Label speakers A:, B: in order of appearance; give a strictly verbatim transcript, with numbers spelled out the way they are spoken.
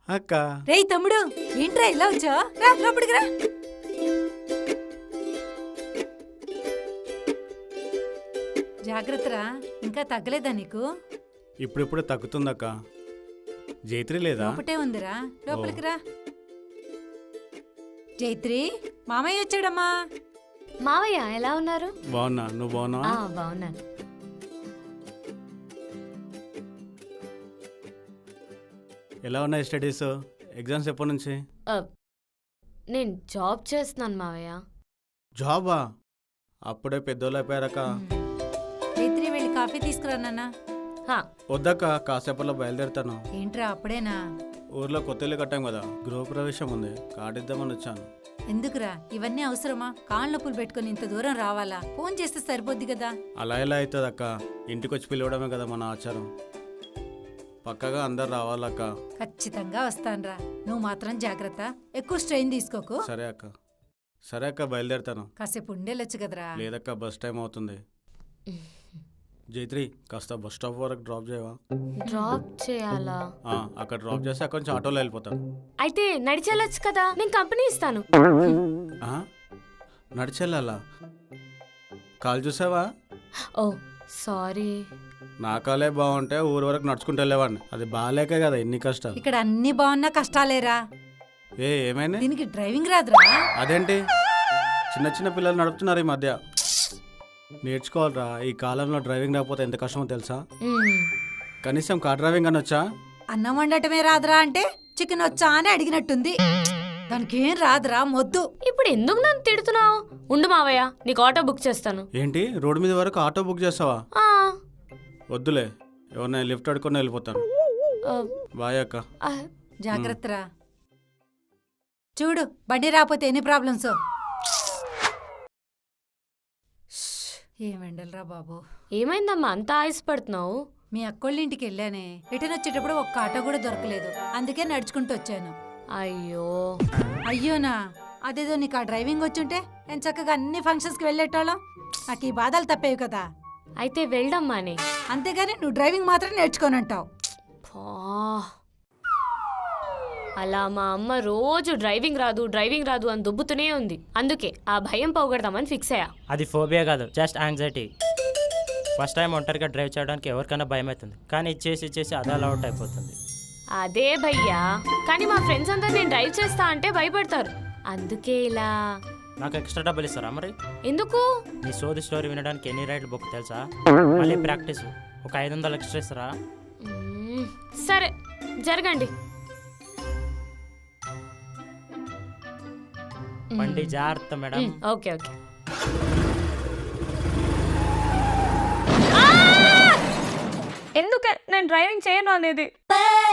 A: అక్క.
B: రేయ్ తమ్ముడు, ఏంట్రా ఇలా వచ్చా? రా లోపలికి రా. జాగ్రత్తరా, ఇంకా తగ్గలేదా నీకు?
A: ఇప్పుడిప్పుడే తగ్గుతుందక్క. జైత్రి లేదా?
B: లోపటే ఉందిరా, లోపలికి రా. జైత్రి, మామయ్య వచ్చాడమ్మా.
C: మావయ్య ఎలా ఉన్నారు?
A: బాగున్నా, నువ్వు బాగున్నావా?
C: బాగున్నాను.
A: ఎలా ఉన్నాయి స్టడీస్? ఎగ్జామ్స్ ఎప్పటి నుంచి?
C: నేను జాబ్ చేస్తున్నాను మావయ్య.
A: జాబా? అప్పుడే పెద్దోళ్ళు అయిపోయారక్క.
B: జైత్రి, వెళ్ళి కాఫీ తీసుకురా నాన్న.
A: వద్దక్క, కాసేపట్లో బయలుదేరుతాను.
B: ఏంట్రా అప్పుడేనా?
A: ఊర్లో కొత్త ఇల్లు కట్టాం కదా, గృహప్రవేశం ఉంది, కార్డిద్దామని వచ్చాను.
B: ఎందుకురా ఇవన్నీ అవసరమా? కాళ్ళ నొప్పులు పెట్టుకుని ఇంత దూరం రావాలా? ఫోన్ చేస్తే సరిపోద్ది కదా.
A: అలా ఎలా అవుతుంది అక్క? ఇంటికి వచ్చి పిలవడమే కదా మన ఆచారం. పక్కగా అందరు రావాలక్క.
B: ఖచ్చితంగా వస్తానురా, నువ్వు మాత్రం జాగ్రత్త, ఎక్కువ స్ట్రెయిన్ తీసుకోకు.
A: సరే అక్క. సరే అక్క, బయలుదేరుతాను.
B: కాసేపు ఉండేలొచ్చు కదరా.
A: లేదక్క, బస్ టైం అవుతుంది. జైత్రి, కాస్త బస్ స్టాప్ వరకు డ్రాప్ చేయవా?
C: డ్రాప్ చేయాలా?
A: అక్కడ డ్రాప్ చేస్తే అక్కడ నుంచి ఆటోలో వెళ్ళిపోతాను.
C: అయితే నడిచెళ్ళొచ్చు కదా, నేను కంపెనీ ఇస్తాను.
A: నడిచెళ్ళాలా? కాలు చూసావా?
C: ఓ సారీ.
A: నా కాలే బాగుంటే ఊరు వరకు నడుచుకుంటూ వెళ్ళేవాడిని. అది బాగాలేకే కదా ఇన్ని కష్టాలు.
B: ఇక్కడ అన్ని బాగున్నా కష్టాలేరా.
A: ఏ ఏమైనా?
B: దీనికి డ్రైవింగ్ రాదురా?
A: అదేంటి, చిన్న చిన్న పిల్లలు నడుపుతున్నారు ఈ మధ్య. నేర్చుకోవాలరా, ఈ కాలంలో డ్రైవింగ్ రాకపోతే ఎంత కష్టమో తెలుసా? కనీసం కార్ డ్రైవింగ్ అని వచ్చా?
B: అన్నం వండటమే రాదురా అంటే చికెన్ వచ్చా అని అడిగినట్టుంది. దానికి ఏం రాదురా మొద్దు.
C: ఇప్పుడు ఎందుకు నన్ను తిడుతున్నావు? ఉండు మావయ్య, నీకు ఆటో బుక్ చేస్తాను.
A: ఏంటి, రోడ్డు మీద వరకు ఆటో బుక్ చేస్తావా? వద్దులే, ఎవరినైనా లిఫ్ట్ అడుకొని వెళ్ళిపోతాను. బాయ్ అక్క.
B: జాగ్రత్తరా. చూడు, బండి రాకపోతే ఎన్ని ప్రాబ్లమ్స్. ఏమెండలరా బాబు.
C: ఏమైందమ్మా అంత ఆయాసపడుతున్నావు?
B: మీ అక్కోళ్ళింటికి వెళ్ళానే, రిటర్న్ వచ్చేటప్పుడు ఒక్క ఆటో కూడా దొరకలేదు, అందుకే నడుచుకుంటూ వచ్చాను.
C: అయ్యో.
B: అయ్యోనా? అదేదో నీకు ఆ డ్రైవింగ్ వచ్చుంటే నేను చక్కగా అన్ని ఫంక్షన్స్కి వెళ్ళేటోళ్ళం. నాకు ఈ బాధలు తప్పేవి కదా.
C: అయితే వెళ్దమ్మాని.
B: అంతేగాని నువ్వు డ్రైవింగ్ మాత్రం నేర్చుకోనంటావు.
C: అలా మా అమ్మ రోజు డ్రైవింగ్ రాదు డ్రైవింగ్ రాదు అని దుబ్బుతూనే ఉంది. అందుకే ఆ భయం పోగొడదామని ఫిక్స్ అయ్యా.
D: అది ఫోబియా కాదు, జస్ట్ యాంగ్జైటీ. ఫస్ట్ టైం ఒంటరిగా డ్రైవ్ చేయడానికి ఎవరికైనా భయం అవుతుంది, కానీ ఇచ్చేసి ఇచ్చేసి అదే అలవాటు అయిపోతుంది.
C: అదే భయ్యా, కానీ మా ఫ్రెండ్స్ అందరు నేను డ్రైవ్ చేస్తా అంటే భయపడతారు. అందుకే ఇలా.
D: నాకు ఎక్స్ట్రా డబ్బులు ఇస్తారా మరి?
C: ఎందుకు?
D: నీ సోది స్టోరీ వినడానికి ఎన్ని రైడ్లు బుక్ తెలుసా? మళ్ళీ ప్రాక్టీస్ ఒక ఐదు వందలు ఎక్స్ట్రా ఇస్తారా?
C: సరే జరగండి.
D: బండి జాగ్రత్త మేడం.
C: Okay okay.
E: ఎందుకే నేను డ్రైవింగ్ చేయను అనేది?